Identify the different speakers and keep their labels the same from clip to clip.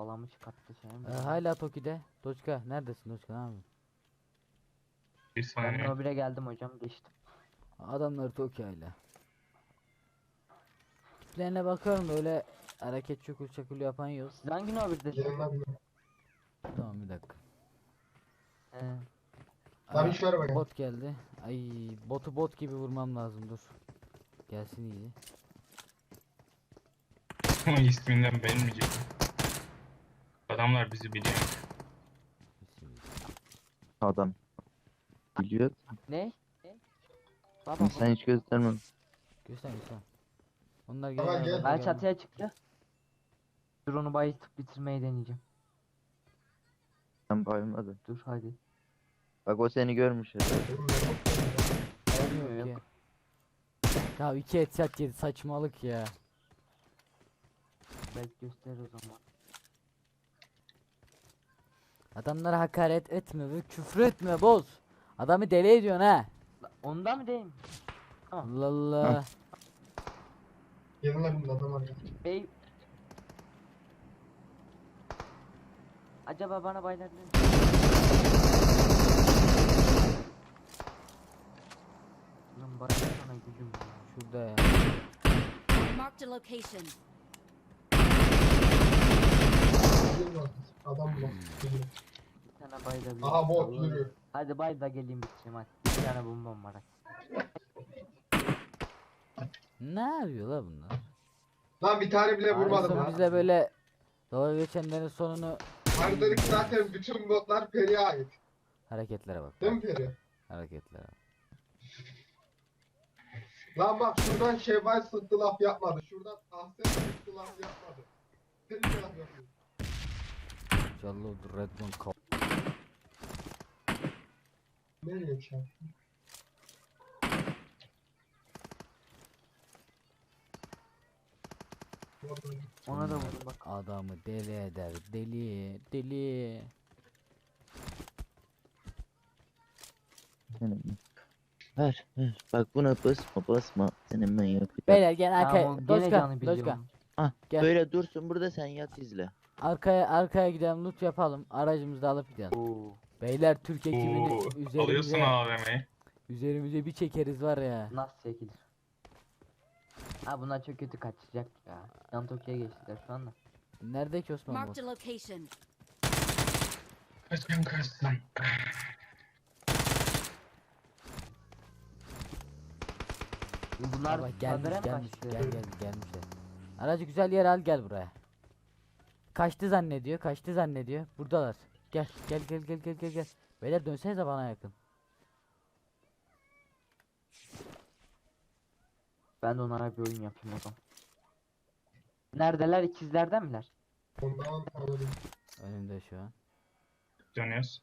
Speaker 1: Balamı çıkarttı şey mi?
Speaker 2: Hala Toki'de. Doçka neredesin Doçka, ne yapıyorsun?
Speaker 3: Bir
Speaker 1: Ben
Speaker 3: saniye.
Speaker 1: Nobile geldim hocam, geçtim.
Speaker 2: Adamlar Toki hala. Tiplerine bakıyorum da öyle hareket çukur çakul yapan yok.
Speaker 1: Siz hangi Nobile'desiniz?
Speaker 2: Tamam bir dakika.
Speaker 1: He.
Speaker 4: Tabii şöyle bakayım.
Speaker 2: Bot geldi. Ay, botu bot gibi vurmam lazım, dur. Gelsin iyi.
Speaker 3: Ama isminden beğenmeyecek. Adamlar bizi biliyor.
Speaker 5: Adam. Biliyor.
Speaker 1: Ne? Baba
Speaker 5: Sen hiç göstermem.
Speaker 2: Göster göster. Onlar
Speaker 4: Tamam,
Speaker 2: gel.
Speaker 4: gel.
Speaker 1: ben çatıya çıktı. Dur, onu bayıltıp bitirmeyi deneyeceğim.
Speaker 5: Sen bayılmadın.
Speaker 1: Dur hadi.
Speaker 5: Bak o seni görmüş ya.
Speaker 1: Olmuyor yok.
Speaker 2: Ya 2 headshot yedi, saçmalık ya.
Speaker 1: Belki gösterir o zaman.
Speaker 2: Adamlara hakaret etme ve küfür etme boz. Adamı deli ediyorsun ha.
Speaker 1: Ondan mı değil mi?
Speaker 2: Allah Allah.
Speaker 4: Gelin lan bir adam var ya.
Speaker 1: Bey. Acaba bana baylar ne? Lan baylar sana gücüm ya.
Speaker 2: Şurada ya.
Speaker 6: Marked a location.
Speaker 4: Gelin lan. Adam bu. Gelin.
Speaker 1: Bir tane baylar.
Speaker 4: Aha bot yürüyor.
Speaker 1: Hadi bay da geleyim bitireyim hadi. Bir tane bombam var.
Speaker 2: Ne yapıyor la bunlar?
Speaker 4: Lan bir tane bile vurmadım
Speaker 2: Sonra
Speaker 4: ha.
Speaker 2: bize böyle dalga geçenlerin sonunu
Speaker 4: Haritadaki zaten bütün botlar Peri'ye ait.
Speaker 2: hareketlere bak.
Speaker 4: Değil mi Peri?
Speaker 2: Hareketlere bak.
Speaker 4: Lan bak şuradan Şevval sıktı laf yapmadı. Şuradan Ahsen sıktı laf yapmadı. Peri de laf yapıyor.
Speaker 2: Callo Redmond kal.
Speaker 4: Nereye çarptın?
Speaker 1: Ona da vurdum bak.
Speaker 2: Adamı deli eder. Deli. Deli.
Speaker 5: Senin. Ver ver. Bak buna basma. Senin ben yapacağım.
Speaker 2: Beyler gel
Speaker 1: Tamam,
Speaker 2: arkaya.
Speaker 1: o gene
Speaker 2: Doçka.
Speaker 1: canı
Speaker 2: Doçka.
Speaker 1: biliyorum.
Speaker 5: Ah
Speaker 2: Gel.
Speaker 5: böyle dursun burada, sen yat izle.
Speaker 2: Arkaya gidelim, loot yapalım. Aracımızı da alıp gidelim.
Speaker 1: Oo.
Speaker 2: Beyler Türk
Speaker 3: Oo,
Speaker 2: ekibini
Speaker 3: alıyorsun
Speaker 2: üzerimize,
Speaker 3: AVM'yi.
Speaker 2: üzerimize bir çekeriz var ya.
Speaker 1: Nasıl çekilir? Ha, bunlar çok kötü kaçacak ya. Yan Tokyo'ya geçtiler şu anda.
Speaker 2: Nerede ki Osman
Speaker 6: Marked
Speaker 2: bu?
Speaker 6: a location.
Speaker 3: Kaçın kaçsın.
Speaker 1: Bunlar
Speaker 2: Baba
Speaker 1: kadere mi
Speaker 2: gelmiş
Speaker 1: kaçtı?
Speaker 2: gelmişler. Aracı güzel yer al, gel buraya. Kaçtı zannediyor. Buradalar. Gel. Beyler dönsenize bana yakın.
Speaker 1: Ben de onlara bir oyun yapayım o zaman. Neredeler? İkizlerden miler?
Speaker 4: Ondan alırım.
Speaker 2: Önümde şu an.
Speaker 3: Dönüyoruz.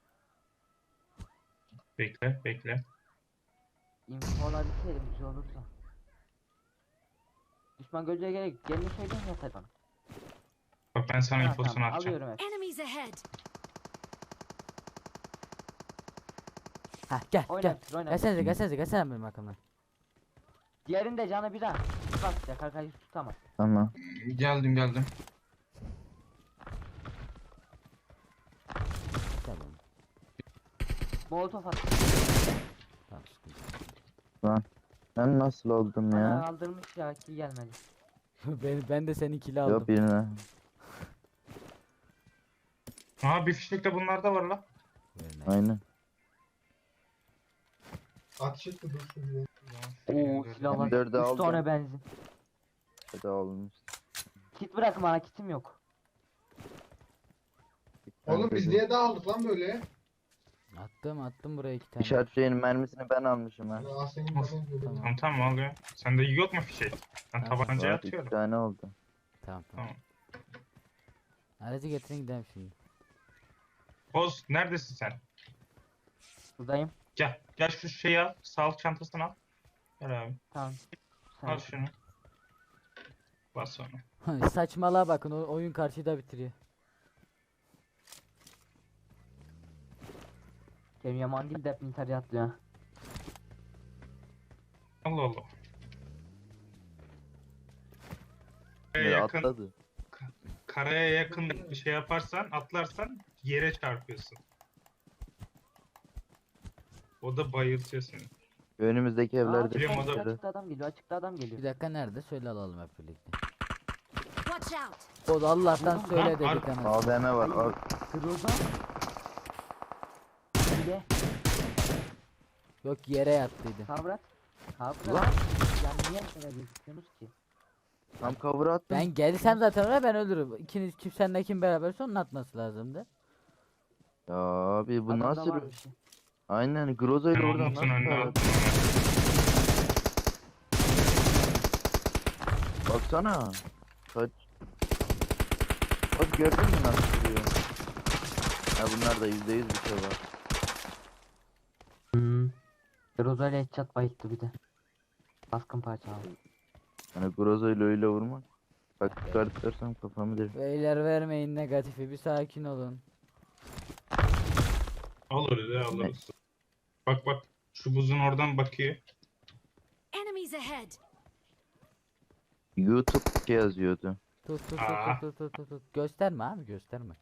Speaker 3: Bekle.
Speaker 1: İnfo alabilirseydim güzel olursa. Düşman gözüne gerek. Gelin söyleyin yeter bana.
Speaker 3: Bak ben sana
Speaker 1: Ha,
Speaker 3: infosunu
Speaker 1: tamam,
Speaker 3: atacağım.
Speaker 1: alıyorum hep.
Speaker 6: Enemies ahead.
Speaker 2: Hah gel.
Speaker 1: Oynatır.
Speaker 2: Gelsene benim arkamdan.
Speaker 1: Diğerinde canı bir daha. Bak ya, karkayı tutamaz.
Speaker 5: Tamam.
Speaker 3: Geldim.
Speaker 2: Tamam.
Speaker 1: Molotof at.
Speaker 2: Tamam sıkıntı.
Speaker 5: Ben nasıl oldum
Speaker 1: Bana
Speaker 5: ya?
Speaker 1: aldırmış ya, ki gelmedi.
Speaker 2: ben de seninkili aldım.
Speaker 5: Yok birine.
Speaker 3: Aa bir fişek de bunlarda var la.
Speaker 2: Verme.
Speaker 5: Aynen.
Speaker 4: Atışık da dursun diye.
Speaker 1: Oo, silahlar.
Speaker 5: M4'ü
Speaker 1: 3
Speaker 5: aldım.
Speaker 1: tane benzin.
Speaker 5: Hadi olmuş.
Speaker 1: Kit bırak bana, kitim yok.
Speaker 4: Oğlum biz niye dağıldık lan böyle?
Speaker 2: Attım buraya 2 tane.
Speaker 5: İşaret şeyinin mermisini ben almışım ha.
Speaker 4: Ya Ahsen'in falan böyle.
Speaker 2: Tamam.
Speaker 3: Tamam alıyor. Sende yok mu fişek? Ben
Speaker 2: Tamam.
Speaker 3: tabancaya
Speaker 5: Var, 2
Speaker 3: atıyorum.
Speaker 5: tane oldu.
Speaker 2: Tamam.
Speaker 3: Tamam.
Speaker 2: Aracı getirin gidelim şimdi.
Speaker 3: Boz neredesin sen?
Speaker 1: Buradayım.
Speaker 3: Gel şu şeyi al. Sağlık çantasını al. Gel abi.
Speaker 1: Tamam.
Speaker 3: Al
Speaker 1: Sen.
Speaker 3: şunu. Bas onu.
Speaker 2: Saçmalığa bakın, o oyun karşıda bitiriyor.
Speaker 1: Kerim Yaman değil de hep intihar atlıyor. ha.
Speaker 3: Allah.
Speaker 5: Ya
Speaker 3: Yakın.
Speaker 5: atladı.
Speaker 3: karaya yakın bir şey yaparsan, atlarsan yere çarpıyorsun. O da bayıltıyor seni.
Speaker 5: Önümüzdeki evlerde
Speaker 3: biliyorum, o da-
Speaker 5: çıkıyor.
Speaker 1: Açıkta adam geliyor, açıkta adam
Speaker 2: Bir
Speaker 1: geliyor.
Speaker 2: dakika nerede? Söyle alalım hep birlikte.
Speaker 6: Watch out!
Speaker 2: O da Allah'tan
Speaker 1: Lan,
Speaker 2: söyle
Speaker 3: lan,
Speaker 2: dedik anasını.
Speaker 5: AVM var.
Speaker 1: Kırıldı. Bir de
Speaker 2: Yok yere yattıydı.
Speaker 1: kavrat. Kavrat.
Speaker 5: Ulan.
Speaker 1: Ya niye böyle gözüküyorsunuz ki?
Speaker 5: Tam cover attım.
Speaker 2: Ben gelsem zaten oraya ben ölürüm. İkiniz kim senle kim beraber onun atması lazımdı.
Speaker 5: Ya abi bu
Speaker 1: Adamda
Speaker 5: nasıl?
Speaker 1: var bir şey.
Speaker 5: Aynen Groza ile
Speaker 3: Ben
Speaker 5: oradan
Speaker 3: Umut'un
Speaker 5: nasıl
Speaker 3: önüne
Speaker 5: cover
Speaker 3: attım.
Speaker 5: Baksana. Kaç. Bak gördün mü nasıl duruyor? Ha bunlar da %100 bir şey var.
Speaker 1: Groza ile headshot bayıttı bir de. Baskın parça aldı.
Speaker 5: Hani Groza ile öyle vurmak. Bak çıkartırsam kafamı der.
Speaker 2: Beyler vermeyin negatifi bir sakin olun.
Speaker 3: Alırız ya, alırız. Bak bak, şu buzun oradan bakıyor.
Speaker 6: Enemies ahead!
Speaker 5: YouTube şey yazıyordu.
Speaker 2: Tut tut
Speaker 3: Aa.
Speaker 2: tut tut tut tut tut. Gösterme abi gösterme.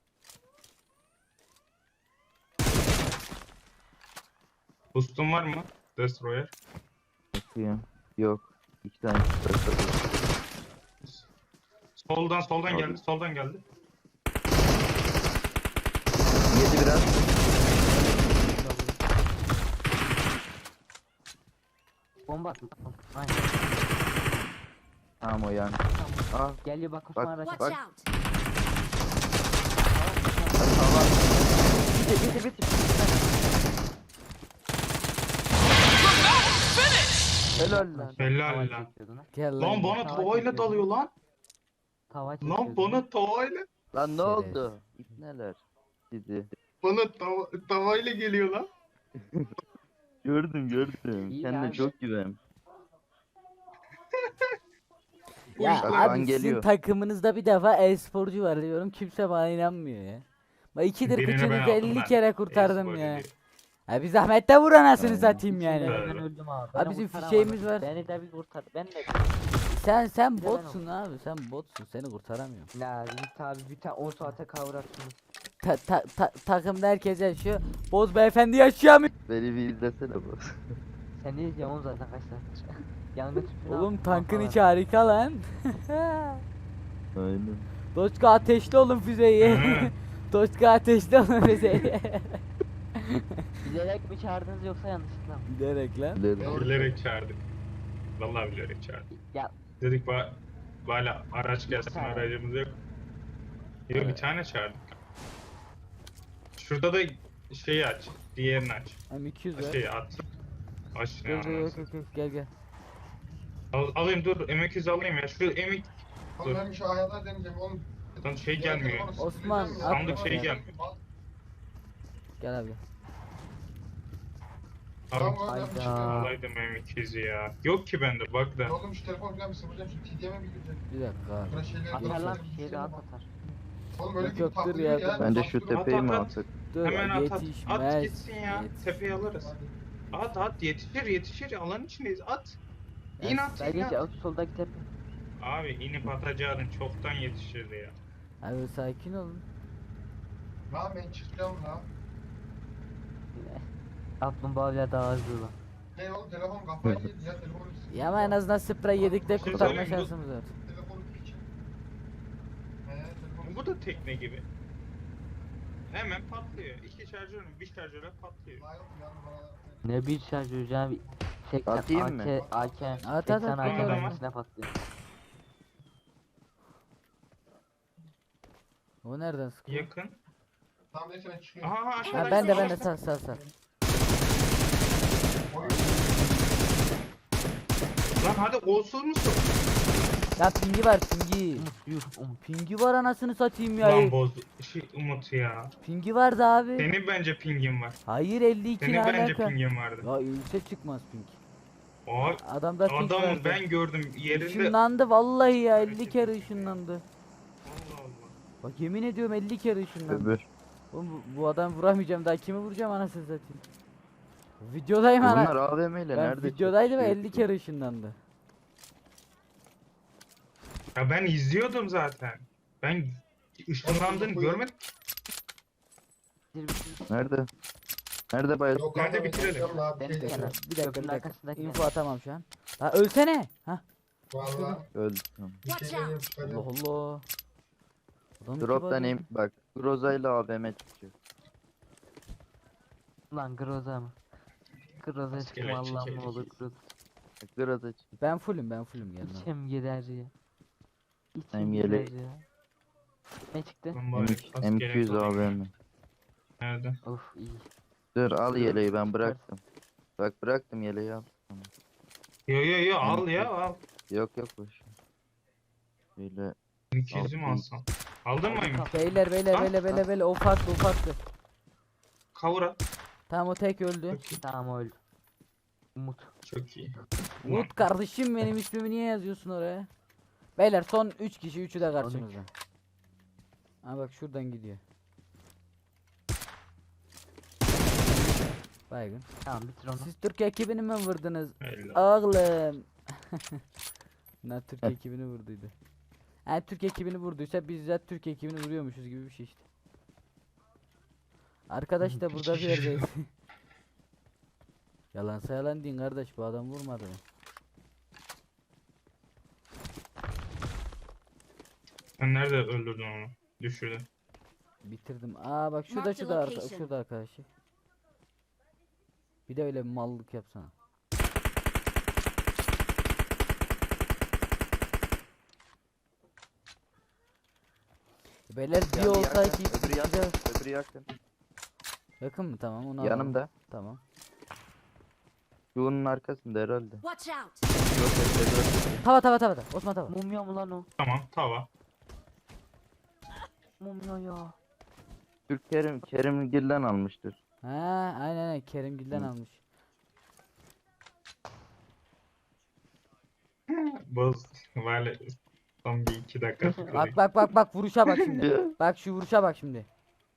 Speaker 3: Boost'un var mı? Destroyer.
Speaker 5: Bakayım. Yok. 2 tane çıkarttım.
Speaker 3: Soldan
Speaker 5: Abi.
Speaker 3: geldi, soldan geldi.
Speaker 5: Yedi biraz.
Speaker 1: Bomba atma. Aynen.
Speaker 5: Tamam o yani.
Speaker 1: Tamam.
Speaker 5: Aa.
Speaker 1: Geliyor bak Osman
Speaker 5: Bak,
Speaker 1: araç.
Speaker 6: Watch
Speaker 5: Bak.
Speaker 6: out!
Speaker 5: Tamam. Bitti bitti. Helal lan.
Speaker 3: Helal
Speaker 1: Tava
Speaker 3: lan.
Speaker 1: çekiyordun ha.
Speaker 2: Gel
Speaker 3: Lan bana
Speaker 1: Tava
Speaker 3: tavayla
Speaker 1: çekiyordun.
Speaker 3: dalıyor lan.
Speaker 1: Tava
Speaker 3: Lan
Speaker 1: çekiyordun.
Speaker 3: bana tavayla.
Speaker 5: Lan ne
Speaker 2: Şeref.
Speaker 5: oldu? İpneler. Sizi.
Speaker 3: Bana tavayla geliyor lan.
Speaker 5: Gördüm.
Speaker 1: İyi
Speaker 5: Kendine
Speaker 1: abi.
Speaker 5: çok güven.
Speaker 2: Ya
Speaker 5: Bak,
Speaker 2: abi
Speaker 5: lan
Speaker 2: sizin
Speaker 5: geliyor.
Speaker 2: takımınızda bir defa e-sporcu var diyorum kimse bana inanmıyor ya. Bak ikidir
Speaker 3: Birini ben
Speaker 2: kıçınızı
Speaker 3: aldım
Speaker 2: 50
Speaker 3: ben.
Speaker 2: kere kurtardım
Speaker 3: E-spor
Speaker 2: ya.
Speaker 3: dedi.
Speaker 2: Ha bir zahmet de vur anasını
Speaker 5: Aynen.
Speaker 2: satayım yani.
Speaker 3: Evet.
Speaker 1: Ben öldüm abi.
Speaker 2: Abi
Speaker 1: Beni
Speaker 2: bizim
Speaker 1: kurtaramadı.
Speaker 2: fişeğimiz var.
Speaker 1: Beni de bir kurtar. Ben de.
Speaker 2: Sen
Speaker 1: Bir de ben
Speaker 2: botsun abi sen botsun seni kurtaramıyorum.
Speaker 1: La Yiğit abi bir tane 10 saate kavrattınız.
Speaker 2: Takımda herkes yaşıyor. Boz beyefendi yaşıyor mu?
Speaker 5: Beni bir izlesene bu.
Speaker 1: Sen ne diyeceğim oğlum zaten kaç saattir. Yangın tüpünü
Speaker 2: Oğlum
Speaker 1: al,
Speaker 2: tankın
Speaker 1: kafalar.
Speaker 2: içi harika lan.
Speaker 5: Aynen.
Speaker 2: Doçka ateşli olun füzeyi.
Speaker 3: Hı.
Speaker 2: Doçka ateşli olun füzeyi.
Speaker 1: Bilerek mi çağırdınız yoksa yanlışlıkla mı?
Speaker 2: Bilerek lan.
Speaker 5: Bilerek.
Speaker 3: Bilerek çağırdık. Vallahi bilerek çağırdık.
Speaker 1: Ya
Speaker 3: Dedik hala araç gelsin,
Speaker 1: tane.
Speaker 3: aracımız yok. Yok, bir tane çağırdık. Şurada da şeyi aç. Diğerini aç.
Speaker 2: M200 var.
Speaker 3: Şeyi at. Aç ne
Speaker 2: Gel gel
Speaker 3: anasını.
Speaker 2: gel gel.
Speaker 3: Alayım dur. M200 alayım ya. Şu M2
Speaker 4: Oğlum ben şu ayarlar deneyeceğim oğlum.
Speaker 3: Lan şey gelmiyor.
Speaker 2: Osman,
Speaker 3: Sandık şey gelmiyor.
Speaker 2: Gel abi.
Speaker 3: Abi
Speaker 1: Hayda.
Speaker 3: alaydım M200'ü ya. Yok ki bende, bak da.
Speaker 4: Oğlum şu telefon falan bir sıfıracağım. Şu TDM'e bir girecek.
Speaker 2: Bir dakika abi.
Speaker 4: Şurada şeyleri
Speaker 1: atar lan
Speaker 4: göstereyim,
Speaker 1: bir şey
Speaker 4: şey
Speaker 1: rahat
Speaker 4: mi?
Speaker 1: atar.
Speaker 4: Oğlum öyle
Speaker 2: Yok,
Speaker 4: bir
Speaker 2: yok, dur
Speaker 4: tatlı
Speaker 2: ya,
Speaker 4: değil ya.
Speaker 5: Bence şu
Speaker 4: Tatlı
Speaker 5: tepeyi mi
Speaker 3: at.
Speaker 5: alsak?
Speaker 2: Dur
Speaker 3: Hemen at at.
Speaker 2: yetişmez.
Speaker 3: At gitsin ya.
Speaker 2: Yetişmez.
Speaker 3: Tepeyi alırız. At yetişir. Alanın içindeyiz. At. İn at.
Speaker 1: Ben
Speaker 3: in
Speaker 1: geç
Speaker 3: at.
Speaker 1: soldaki tepe.
Speaker 3: Abi inip atacaktın, çoktan yetişirdi ya.
Speaker 2: Abi sakin olun.
Speaker 4: Lan ben çıkacağım lan.
Speaker 1: Kaplumbağayla daha hızlı lan.
Speaker 4: Ne oğlum telefon kafayı yedi ya telefonu.
Speaker 2: Ya ama en azından sprey yedik de
Speaker 3: Şey
Speaker 2: kurtarma
Speaker 3: söyleyeyim, bu-
Speaker 2: şansımız var.
Speaker 4: Telefonu piçin. Telefonu.
Speaker 3: Bu da tekne gibi. Hemen patlıyor. İki şarjörün bir şarjöre patlıyor.
Speaker 4: Lan yok ya, bana-
Speaker 1: Ne bir şarj hocam. 80
Speaker 5: Atayım mı?
Speaker 1: AK
Speaker 2: At,
Speaker 1: 80
Speaker 2: at,
Speaker 1: AK
Speaker 3: at.
Speaker 1: mermisine patlıyor.
Speaker 2: O nereden sıkıyor?
Speaker 3: Yakın.
Speaker 4: Tamam neyse ben çıkıyorum.
Speaker 3: Aha
Speaker 2: Ha
Speaker 3: aşağıda.
Speaker 2: ben de
Speaker 3: aşağıda.
Speaker 2: sal.
Speaker 4: Oy.
Speaker 3: Lan hadi olsun musun?
Speaker 2: Ya pingi var pingi.
Speaker 1: Umut yürü Umut.
Speaker 2: Pingi var anasını satayım ya.
Speaker 3: Lan boz. Umut ya.
Speaker 2: Pingi vardı abi.
Speaker 3: Senin bence pingin var.
Speaker 2: Hayır 52
Speaker 3: Senin
Speaker 2: ne
Speaker 3: bence
Speaker 2: alaka?
Speaker 3: pingin vardı.
Speaker 2: Ya ülse çıkmaz ping.
Speaker 3: O
Speaker 2: Adamda ping
Speaker 3: adam
Speaker 2: vardı.
Speaker 3: ben gördüm yerinde.
Speaker 2: Işınlandı vallahi ya 50 kere ışınlandı.
Speaker 3: Allah Allah.
Speaker 2: Bak yemin ediyorum 50 kere ışınlandı.
Speaker 5: Öbür.
Speaker 2: Oğlum bu adamı vuramayacağım daha kimi vuracağım anasını satayım. Videodayım ana.
Speaker 5: Bunlar AVM ile
Speaker 2: Ben
Speaker 5: nerede
Speaker 2: videodaydım ve
Speaker 5: çatışıyor
Speaker 2: 50
Speaker 5: ki?
Speaker 2: kere ışınlandı.
Speaker 3: Ya ben izliyordum zaten. Ben ışınlandığını görmedim.
Speaker 5: Nerede? Nerede bayıldı?
Speaker 4: Yok
Speaker 3: Nerede
Speaker 4: abi,
Speaker 3: bitirelim?
Speaker 4: yok abi,
Speaker 1: Benim
Speaker 4: şey
Speaker 1: kenar.
Speaker 4: yok.
Speaker 2: Bir dakika
Speaker 1: Köprünün
Speaker 2: bir dakika.
Speaker 1: arkasındaki
Speaker 2: Info
Speaker 1: ne?
Speaker 2: atamam şu an. Ha ölsene. Ha.
Speaker 4: Valla
Speaker 5: Öldü. Tamam.
Speaker 4: bir şey
Speaker 6: Watch out.
Speaker 4: diyeyim çıkacağım.
Speaker 2: Allah Allah. Adam iki
Speaker 5: Drop'tan
Speaker 2: body
Speaker 5: em bak. Groza ile AVM çıkacak.
Speaker 1: Lan Groza mı? Groza çıktım
Speaker 3: Askerler
Speaker 1: Allah'ım ne
Speaker 3: çekelim.
Speaker 1: olur Groza.
Speaker 5: Groza çık.
Speaker 2: Ben fullüm gelme.
Speaker 1: İçim gider ya.
Speaker 5: Hem
Speaker 1: İçim
Speaker 5: yele-
Speaker 1: gider ya. Ne çıktı?
Speaker 3: Lan bari askere
Speaker 5: M200
Speaker 3: kalayım.
Speaker 5: AVM.
Speaker 3: Nerede?
Speaker 1: Of iyi.
Speaker 5: Dur al yeleği ben bıraktım. Bak bıraktım yeleği al. Tamam.
Speaker 3: Yo al ya al.
Speaker 5: Yok boş. ver. Şöyle
Speaker 3: 200'ü mü alsam? Aldın mı Emin?
Speaker 2: Beyler o farklı.
Speaker 3: Kavura.
Speaker 2: Tamam o tek öldü.
Speaker 3: Çok iyi.
Speaker 1: Tamam o öldü. Umut.
Speaker 3: Çok iyi.
Speaker 2: Umut kardeşim benim ismimi niye yazıyorsun oraya? Beyler son 3 kişi, üçü de karşımızda. Ha bak şuradan gidiyor. Baygın.
Speaker 1: Tamam bitir onu.
Speaker 2: Siz Türk ekibini mi vurdunuz?
Speaker 3: Helal.
Speaker 2: Oğlum. Ne Türk ekibini vurduydu. Yani Türk ekibini vurduysa biz de Türk ekibini vuruyormuşuz gibi bir şey işte. Arkadaş da burada bir yerdeyiz. Yalansa yalan deyin kardeş, bu adam vurmadı mı?
Speaker 3: Sen nerede öldürdün onu? Düşürdün.
Speaker 2: Bitirdim. Aa bak şurada
Speaker 6: Mark the
Speaker 2: şurada
Speaker 6: location.
Speaker 2: şurada arkadaşı. Bir de öyle bir mallık yapsana. Beyler bir
Speaker 5: Yani
Speaker 2: olsa
Speaker 5: yakın,
Speaker 2: iki
Speaker 5: öbürü yakın, öbürü yakın.
Speaker 2: yakın mı, tamam onu alalım.
Speaker 5: Yanımda.
Speaker 2: Tamam.
Speaker 5: Şunun arkasında herhalde.
Speaker 6: Watch out.
Speaker 5: Yok yok.
Speaker 2: Tava. Osman tava.
Speaker 1: Mumya mı lan o?
Speaker 3: Tamam tava.
Speaker 1: Mumya ya.
Speaker 5: Türk Kerim Gil'den almıştır.
Speaker 2: Ha aynen Kerimgil'den
Speaker 5: Hı.
Speaker 2: almış.
Speaker 3: Boz. Böyle son bir 2 dakika sıkılayım.
Speaker 2: Bak vuruşa bak şimdi. Bak şu vuruşa bak şimdi.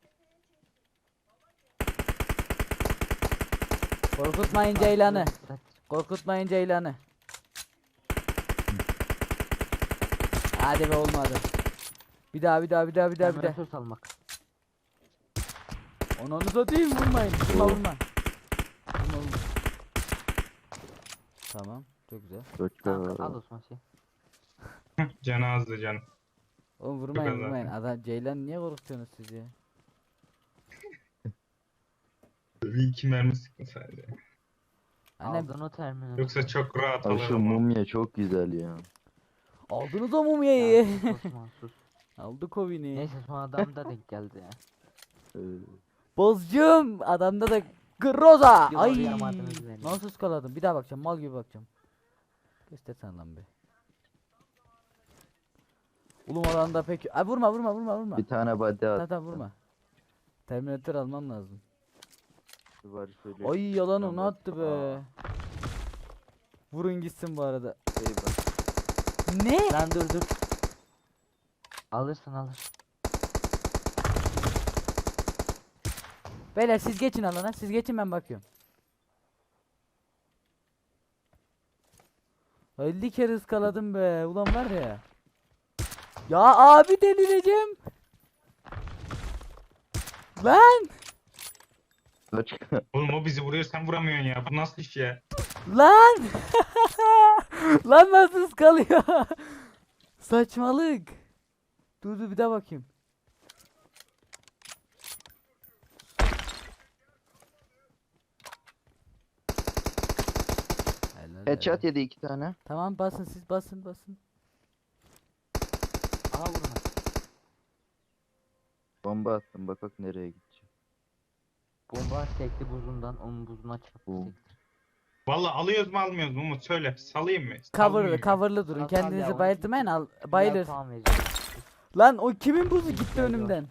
Speaker 2: Korkutmayın Ceylan'ı. Korkutmayın Ceylan'ı. Hadi be olmadı. Bir daha.
Speaker 1: Terminatör salmak.
Speaker 2: Onu satayım, vurmayın. Vurma. Tamam, çok güzel.
Speaker 1: Tamam, al
Speaker 5: Koçka.
Speaker 1: Osman şey.
Speaker 3: Canı azdı canım.
Speaker 2: Oğlum
Speaker 3: Çok az
Speaker 2: vurmayın.
Speaker 3: zaten.
Speaker 2: Adam Ceylan niye korkutuyorsunuz siz ya?
Speaker 3: Bir 2 mermi sıktın sadece.
Speaker 2: Annem
Speaker 1: Aldın o terminatör.
Speaker 3: Yoksa çok rahat
Speaker 5: Abi şu
Speaker 3: alırım. onu.
Speaker 5: mumya çok güzel ya.
Speaker 2: aldınız o mumyayı.
Speaker 1: Ya, sus Osman sus.
Speaker 2: Aldık o bini.
Speaker 1: Neyse son adam da denk geldi ya.
Speaker 5: Ee,
Speaker 2: Bozcum adamda da Groza.
Speaker 1: Yok,
Speaker 2: Ay
Speaker 1: yamadınız beni.
Speaker 2: nasıl ıskaladım, bir daha bakacağım, mal gibi bakacağım. Göstersen lan be. Oğlum adamda pek ay vurma.
Speaker 5: bir tane body at.
Speaker 2: Tamam vurma. Terminatör almam lazım.
Speaker 5: Var şöyle.
Speaker 2: Ay yalan
Speaker 5: Tamam,
Speaker 2: onu attı be.
Speaker 5: aa.
Speaker 2: Vurun gitsin bu arada.
Speaker 5: Şey bak.
Speaker 2: Ne?
Speaker 1: Lan dur. Alırsın.
Speaker 2: Beyler siz geçin alana, siz geçin, ben bakıyorum. 50 kere ıskaladım be. Ulan var ya. Ya abi delireceğim. Lan!
Speaker 5: Koçka.
Speaker 3: Oğlum o bizi vuruyor sen vuramıyorsun ya. Bu nasıl iş ya?
Speaker 2: Lan! Lan nasıl ıskalıyor? Saçmalık. Dur bir daha bakayım.
Speaker 5: Headshot yedi 2 tane.
Speaker 2: Tamam basın siz, basın.
Speaker 1: Aha vurma.
Speaker 5: Bomba attım bak nereye gidecek.
Speaker 1: Bomba sekti buzundan onun buzuna çarptı.
Speaker 5: Oo.
Speaker 1: sekti.
Speaker 3: Valla alıyoruz mu almıyoruz mu Umut söyle. Salayım mı?
Speaker 2: Coverlı durun.
Speaker 1: Tamam,
Speaker 2: Kendinizi
Speaker 1: ya,
Speaker 2: bayıltmayın,
Speaker 1: onu-
Speaker 2: bayılır.
Speaker 1: Tamam vereceğim.
Speaker 2: Lan o kimin buzu gitti
Speaker 1: İhtiyacı var.
Speaker 2: önümden?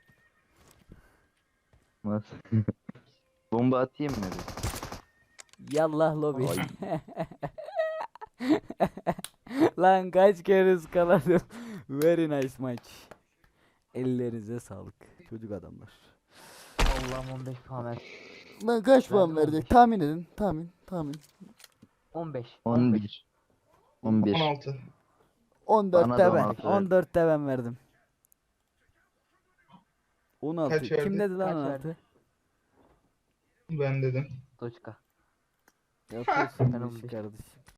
Speaker 5: Nasıl? Bomba atayım mı? bir?
Speaker 2: Yallah lobi.
Speaker 5: Ay.
Speaker 2: Lan kaç kere ıskaladım. Very nice maç. Ellerinize sağlık çocuk adamlar.
Speaker 1: Allah'ım 15 puan ver.
Speaker 2: Lan kaç
Speaker 1: puan verdik?
Speaker 2: Tahmin edin. Tahmin.
Speaker 1: 15.
Speaker 5: 11. 11.
Speaker 3: 16.
Speaker 2: 14'te
Speaker 5: Bana da
Speaker 2: ben.
Speaker 5: 16 ver.
Speaker 2: 14'te ben verdim. 16.
Speaker 4: Kaç
Speaker 2: Kim
Speaker 4: verdi?
Speaker 2: dedi lan
Speaker 1: Kaç
Speaker 2: 16?
Speaker 1: verdi?
Speaker 3: Ben dedim.
Speaker 1: Toçka.
Speaker 2: Yapıyorsun
Speaker 1: Ben
Speaker 2: bu
Speaker 1: 15.
Speaker 2: işi kardeşim.